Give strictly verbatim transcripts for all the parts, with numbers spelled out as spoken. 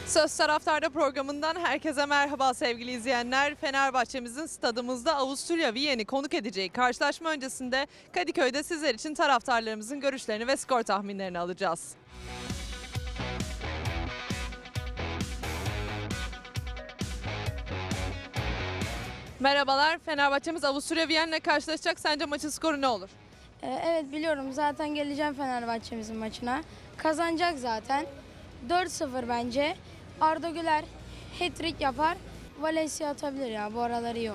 Söz Taraftar'da programından herkese merhaba sevgili izleyenler. Fenerbahçe'mizin stadımızda Avusturya Viyen'i konuk edeceği karşılaşma öncesinde Kadıköy'de sizler için taraftarlarımızın görüşlerini ve skor tahminlerini alacağız. Merhabalar, Fenerbahçe'miz Avusturya Viyen'le karşılaşacak. Sence maçın skoru ne olur? Ee, Evet biliyorum, zaten geleceğim Fenerbahçe'mizin maçına. Kazanacak zaten. dört sıfır bence. Arda Güler hat-trick yapar. Valencia atabilir ya, bu aralar iyi o.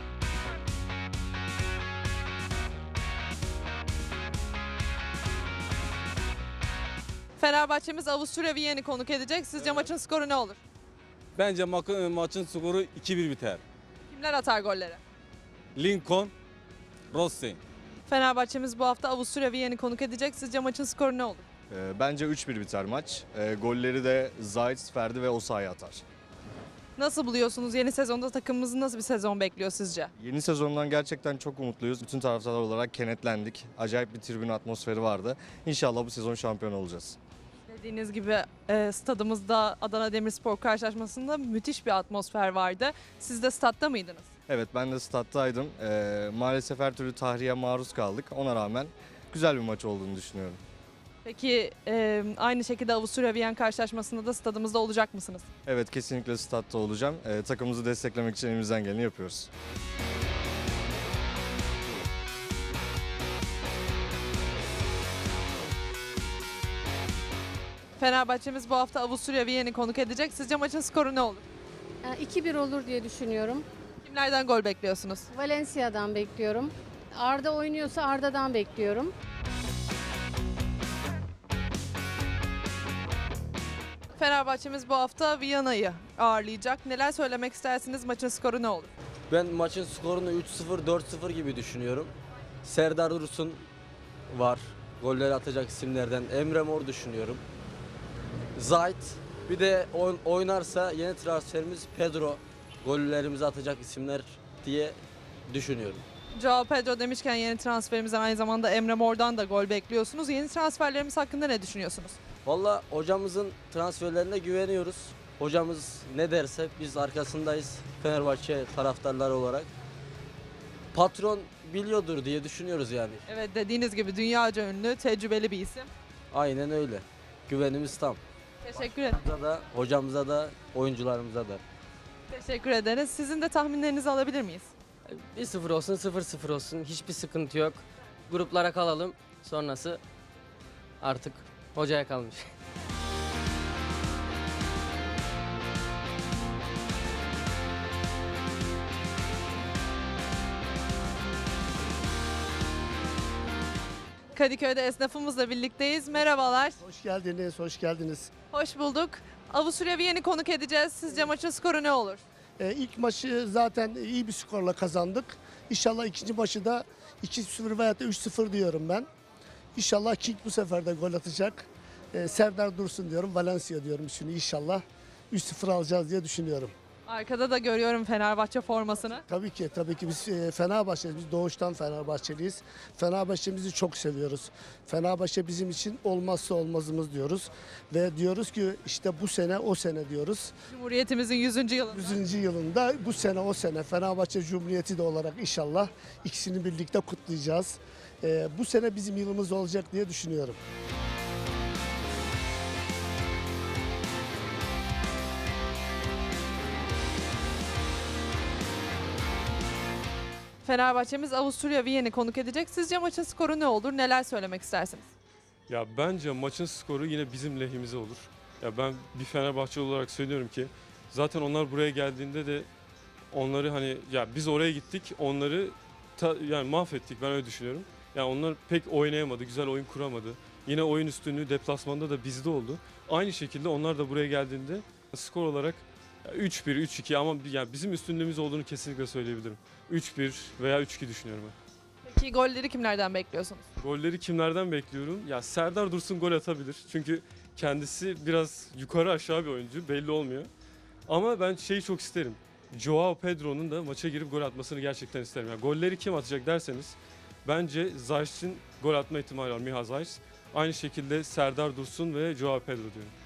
Fenerbahçe'miz Avusturya Viyen'i konuk edecek. Sizce maçın skoru ne olur? Bence ma- maçın skoru iki bir biter. Kimler atar golleri? Lincoln, Rossi. Fenerbahçe'miz bu hafta Avusturya Viyen'i konuk edecek. Sizce maçın skoru ne olur? Ee, Bence üç bir biter maç. Ee, golleri de Zayt, Ferdi ve Osayi atar. Nasıl buluyorsunuz? Yeni sezonda takımımızın nasıl bir sezon bekliyor sizce? Yeni sezondan gerçekten çok umutluyuz. Bütün taraftarlar olarak kenetlendik. Acayip bir tribün atmosferi vardı. İnşallah bu sezon şampiyon olacağız. Dediğiniz gibi e, stadımızda Adana Demirspor karşılaşmasında müthiş bir atmosfer vardı. Siz de statta mıydınız? Evet, ben de stat'taydım. Ee, maalesef her türlü tahriye maruz kaldık. Ona rağmen güzel bir maç olduğunu düşünüyorum. Peki e, aynı şekilde Avusturya Viyen karşılaşmasında da stadımızda olacak mısınız? Evet, kesinlikle stat'ta olacağım. Ee, takımımızı desteklemek için elimizden geleni yapıyoruz. Fenerbahçe'miz bu hafta Avusturya Viyen'i konuk edecek. Sizce maçın skoru ne olur? Yani iki bir olur diye düşünüyorum. Kimlerden gol bekliyorsunuz? Valencia'dan bekliyorum. Arda oynuyorsa Arda'dan bekliyorum. Fenerbahçe'miz bu hafta Viyana'yı ağırlayacak. Neler söylemek istersiniz? Maçın skoru ne olur? Ben maçın skorunu üç sıfır dört sıfır gibi düşünüyorum. Serdar Dursun var. Golleri atacak isimlerden. Emre Mor düşünüyorum. Zayt. Bir de oyn- oynarsa yeni transferimiz Pedro. Gollerimizi atacak isimler diye düşünüyorum. Joao Pedro demişken yeni transferimizden aynı zamanda Emre Mor'dan da gol bekliyorsunuz. Yeni transferlerimiz hakkında ne düşünüyorsunuz? Valla hocamızın transferlerine güveniyoruz. Hocamız ne derse biz arkasındayız Fenerbahçe taraftarları olarak. Patron biliyordur diye düşünüyoruz yani. Evet, dediğiniz gibi dünyaca ünlü, tecrübeli bir isim. Aynen öyle. Güvenimiz tam. Teşekkür ederim. Hocamıza da, hocamıza da, oyuncularımıza da. Teşekkür ederiz. Sizin de tahminlerinizi alabilir miyiz? bir sıfır olsun, sıfır sıfır olsun. Hiçbir sıkıntı yok. Gruplara kalalım. Sonrası artık hocaya kalmış. Kadıköy'de esnafımızla birlikteyiz. Merhabalar. Hoş geldiniz, hoş geldiniz. Hoş bulduk. Avusturya Viyen'i konuk edeceğiz. Sizce maçın skoru ne olur? Ee, ilk maçı zaten iyi bir skorla kazandık. İnşallah ikinci maçı da iki sıfır veya da üç sıfır diyorum ben. İnşallah King bu sefer de gol atacak. Ee, Serdar Dursun diyorum, Valencia diyorum şimdi inşallah. üç sıfır alacağız diye düşünüyorum. Arkada da görüyorum Fenerbahçe formasını. Tabii ki, tabii ki biz e, Fenerbahçeliyiz, biz doğuştan Fenerbahçeliyiz. Fenerbahçe'mizi çok seviyoruz. Fenerbahçe bizim için olmazsa olmazımız diyoruz. Ve diyoruz ki işte bu sene o sene diyoruz. Cumhuriyetimizin yüzüncü yılında. yüzüncü yılında bu sene o sene Fenerbahçe Cumhuriyeti de olarak inşallah ikisini birlikte kutlayacağız. Ee, bu sene bizim yılımız olacak diye düşünüyorum. Fenerbahçe'miz Avusturya Viyen'i konuk edecek. Sizce maçın skoru ne olur? Neler söylemek istersiniz? Ya bence maçın skoru yine bizim lehimize olur. Ya ben bir Fenerbahçe olarak söylüyorum ki zaten onlar buraya geldiğinde de onları hani ya biz oraya gittik onları ta- yani mahvettik, ben öyle düşünüyorum. Yani onlar pek oynayamadı, güzel oyun kuramadı. Yine oyun üstünlüğü deplasmanda da bizde oldu. Aynı şekilde onlar da buraya geldiğinde skor olarak ya üç bir, üç iki ama yani bizim üstünlüğümüz olduğunu kesinlikle söyleyebilirim. üç bir veya üç iki düşünüyorum ben. Peki golleri kimlerden bekliyorsunuz? Golleri kimlerden bekliyorum? Ya Serdar Dursun gol atabilir. Çünkü kendisi biraz yukarı aşağı bir oyuncu. Belli olmuyor. Ama ben şeyi çok isterim. Joao Pedro'nun da maça girip gol atmasını gerçekten isterim. Yani golleri kim atacak derseniz bence Zayt'in gol atma ihtimali var. Miha Zayt. Aynı şekilde Serdar Dursun ve Joao Pedro diyorum.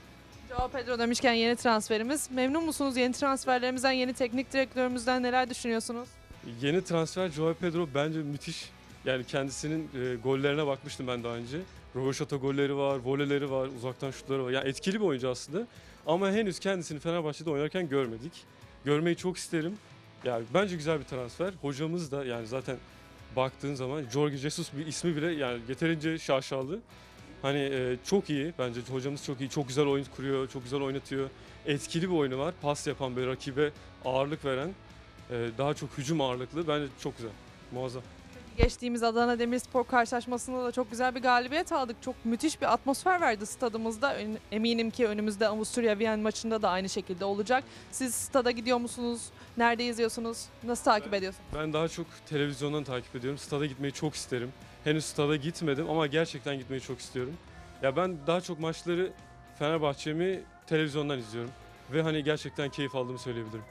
Joao Pedro demişken yeni transferimiz. Memnun musunuz yeni transferlerimizden, yeni teknik direktörümüzden neler düşünüyorsunuz? Yeni transfer Joao Pedro bence müthiş. Yani kendisinin e, gollerine bakmıştım ben daha önce. Röveşata golleri var, voleleri var, uzaktan şutları var. Yani etkili bir oyuncu aslında. Ama henüz kendisini Fenerbahçe'de oynarken görmedik. Görmeyi çok isterim. Yani bence güzel bir transfer. Hocamız da yani zaten baktığın zaman Jorge Jesus bir ismi bile yani yeterince şaşalı. Hani e, çok iyi bence hocamız çok iyi. Çok güzel oyun kuruyor, çok güzel oynatıyor. Etkili bir oyunu var. Pas yapan bir rakibe ağırlık veren, e, daha çok hücum ağırlıklı. Bence çok güzel. Muazzam. Geçtiğimiz Adana Demirspor karşılaşmasında da çok güzel bir galibiyet aldık. Çok müthiş bir atmosfer verdi stadımızda. Ön- Eminim ki önümüzde Avusturya Viyen maçında da aynı şekilde olacak. Siz stada gidiyor musunuz? Nerede izliyorsunuz? Nasıl takip ediyorsunuz? Ben daha çok televizyondan takip ediyorum. Stada gitmeyi çok isterim. Henüz stada gitmedim ama gerçekten gitmeyi çok istiyorum. Ya ben daha çok maçları Fenerbahçe'mi televizyondan izliyorum. Ve hani gerçekten keyif aldığımı söyleyebilirim.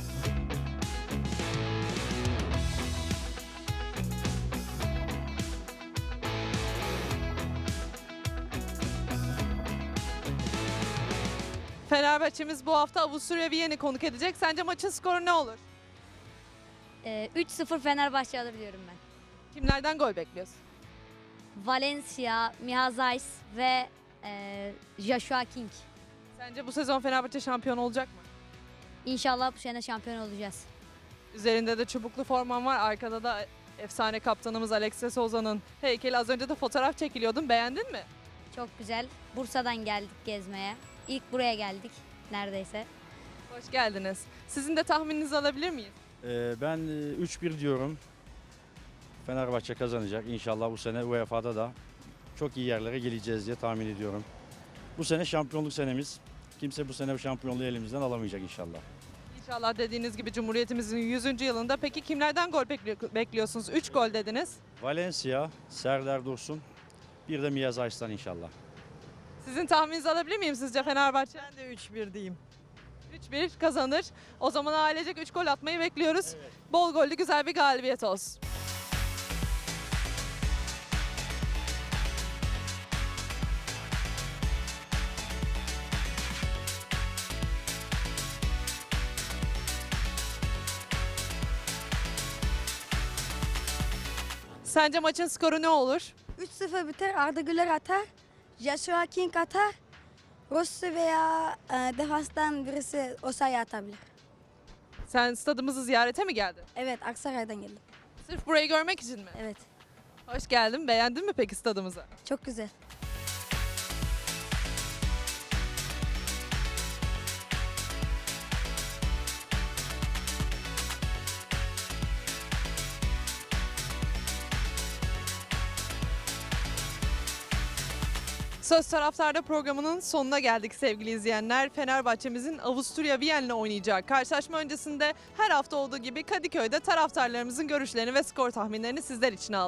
Fenerbahçe'miz bu hafta Avusturya Viyen'i konuk edecek. Sence maçın skoru ne olur? Ee, üç sıfır Fenerbahçe alır diyorum ben. Kimlerden gol bekliyorsun? Valencia, Miha Zayis ve e, Joshua King. Sence bu sezon Fenerbahçe şampiyon olacak mı? İnşallah bu sene şampiyon olacağız. Üzerinde de çubuklu forman var. Arkada da efsane kaptanımız Alexis Souza'nın heykeli. Az önce de fotoğraf çekiliyordun. Beğendin mi? Çok güzel. Bursa'dan geldik gezmeye. İlk buraya geldik neredeyse. Hoş geldiniz. Sizin de tahmininizi alabilir miyiz? Ee, ben e, üç bir diyorum. Fenerbahçe kazanacak. İnşallah bu sene U E F A'da da çok iyi yerlere geleceğiz diye tahmin ediyorum. Bu sene şampiyonluk senemiz. Kimse bu sene bu şampiyonluğu elimizden alamayacak inşallah. İnşallah dediğiniz gibi Cumhuriyetimizin yüzüncü yılında. Peki kimlerden gol bekli- bekliyorsunuz? üç gol dediniz. Valencia, Serdar Dursun, bir de Miha Zayis'ten inşallah. Sizin tahmininizi alabilir miyim sizce Fenerbahçe? Ben de üç bir diyeyim. üç bir kazanır. O zaman ailecek üç gol atmayı bekliyoruz. Bol gollü güzel bir galibiyet olsun. Sence maçın skoru ne olur? üç sıfır biter. Arda Güler atar. Joshua King atar. Rossi veya e, defanstan birisi o sayı atabilir. Sen stadımızı ziyarete mi geldin? Evet, Aksaray'dan geldim. Sırf burayı görmek için mi? Evet, Hoş geldin. Beğendin mi peki stadımızı? çok güzel. Söz Taraftar'da programının sonuna geldik sevgili izleyenler. Fenerbahçe'mizin Avusturya Viyen'le oynayacağı karşılaşma öncesinde her hafta olduğu gibi Kadıköy'de taraftarlarımızın görüşlerini ve skor tahminlerini sizler için aldık.